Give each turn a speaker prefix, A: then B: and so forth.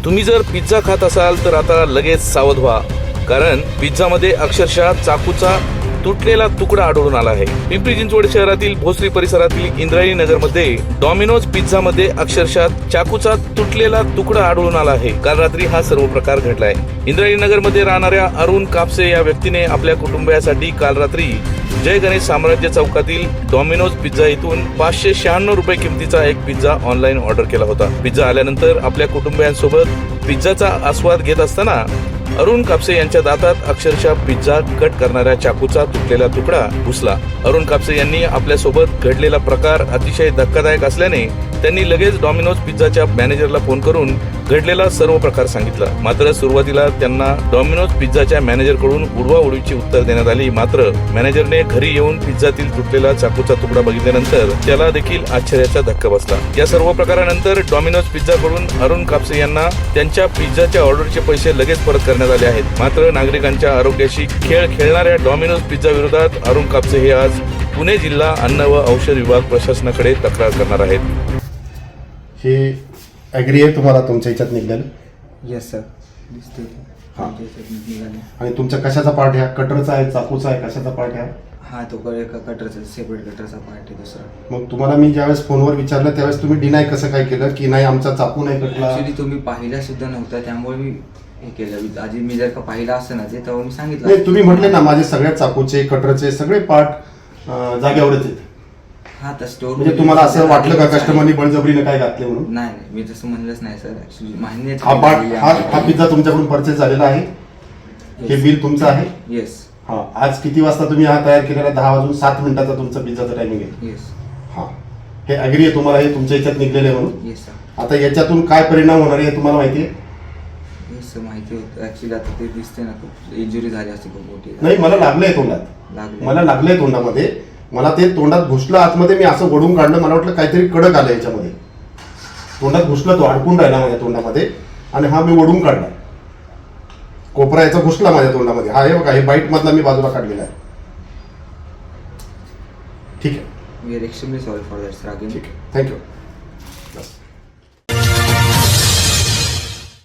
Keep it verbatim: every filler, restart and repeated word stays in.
A: तुम्ही जर पिझ्झा खात असाल तर आता लगेच सावध व्हा, कारण पिझ्झामध्ये अक्षरशः चाकूचा तुटलेला तुकडा आढळून आला आहे. पिंपरी चिंचवड शहरातील भोसरी परिसरातील इंद्रायणी नगरमध्ये डॉमिनोज पिझ्झा मध्ये अक्षरशः चाकूचा तुटलेला तुकडा आढळून आला आहे. काल रात्री हा सर्व प्रकार घडलाय. इंद्रायणी नगर मध्ये राहणाऱ्या अरुण कापसे या व्यक्तीने आपल्या कुटुंबियासाठी काल रात्री जय गणेश साम्राज्य चौकातील डॉमिनोज पिझ्झा इथून पाचशे शहाण्णव रुपये किमतीचा एक पिझ्झा ऑनलाईन ऑर्डर केला होता. पिझ्झा आल्यानंतर आपल्या कुटुंबियांसोबत पिझ्झाचा आस्वाद घेत असताना अरुण कापसे यांच्या दातात अक्षरशः पिझ्झा कट करणाऱ्या चाकूचा तुटलेला तुकडा घुसला. अरुण कापसे यांनी आपल्यासोबत घडलेला प्रकार अतिशय धक्कादायक असल्याने त्यांनी लगेच डॉमिनोज पिझ्झाच्या मॅनेजरला फोन करून घडलेला सर्व प्रकार सांगितला. मात्र सुरुवातीला त्यांना डॉमिनोज पिझ्झाच्या मॅनेजरकडून उडवाउडवीची उत्तर देण्यात आली. मात्र मॅनेजरने घरी येऊन पिझ्झातील तुटलेला चाकूचा तुकडा बघितल्यानंतर त्याला देखील आश्चर्याचा धक्का बसला. या सर्व प्रकारानंतर डॉमिनोज पिझ्झाकडून अरुण कापसे यांना त्यांच्या पिझ्झाच्या ऑर्डरचे पैसे लगेच परत करण्यात आले आहेत. मात्र नागरिकांच्या आरोग्याशी खेळ खेळणाऱ्या डॉमिनोज पिझ्झा विरोधात अरुण कापसे हे आज पुणे जिल्हा अन्न व औषध विभाग प्रशासनाकडे तक्रार करणार आहेत.
B: हे ॲग्री आहे तुम्हाला तुमच्या ह्याच्यात निघालं?
C: येस सर, दिसते.
B: हां.
C: निघाले.
B: आणि तुमच्या कशाचा पार्ट ह्या कटरचा आहे, चाकूचा आहे, कशाचा पार्ट ह्या?
C: हा तो क- एका कटरचा सेपरेट कटरचा पार्ट आहे दुसरा.
B: मग तुम्हाला मी ज्यावेळेस फोनवर विचारलं त्यावेळेस तुम्ही डिनाय कसं काय केलं की नाही आमचा चाकू नाही कटला?
C: ऍक्च्युली तुम्ही पाहिला सुद्धा नव्हता, त्यामुळे मी हे केलं. आधी मी जर का पाहिला असतं ना ते तेव्हा मी सांगितलं.
B: नाही, तुम्ही म्हटले ना माझे सगळ्या चाकूचे कटरचे सगळे पार्ट जागेवरच आहेत.
C: हा तर स्टोर
B: म्हणजे तुम्हाला असं वाटलं का कस्टमरनी बळजबरीने काय घातले म्हणून?
C: नाही नाही, मी तसं म्हणलंच नाही सर. ऍक्च्युली मान्य
B: हा पार्ट हा हा पिझ्झा तुमच्याकडून परचेस झालेला आहे, हे बिल तुमचं आहे.
C: येस
B: हा, आज किती वाजता तुम्ही हा तयार केलेला? दहा वाजून सात मिनिटाचा तुमचा पिझ्झाचा टायमिंग आहे.
C: येस
B: हा, हे ॲग्री आहे तुम्हाला, हे तुमच्या ह्याच्यात निघलेलं आहे म्हणून?
C: Yes sir.
B: आता याच्यातून काय परिणाम होणार आहे तुम्हाला माहिती आहे?
C: येस सर, माहिती होतं. ऍक्च्युली आता ते दिसते ना, खूप इंजुरी झाली असते खूप मोठी.
B: नाही, मला लागलंय तोंडात,
C: लागले.
B: मला लागलंय तोंडामध्ये. मला ते तोंडात घुसलं आतमध्ये, मी असं ओढून काढलं. मला वाटलं काहीतरी कडक आलं याच्यामध्ये. तोंडात घुसलं, तो अडकून राहिला माझ्या तोंडामध्ये आणि हा मी ओढून काढला. कोपरा याचा घुसला माझ्या तोंडामध्ये. हा हे बघा, हे बाईट मधला मी बाजूला काढलेला आहे. ठीक आहे,
C: we are extremely sorry for that sir. Again
B: ठीक आहे, थँक्यू. बस.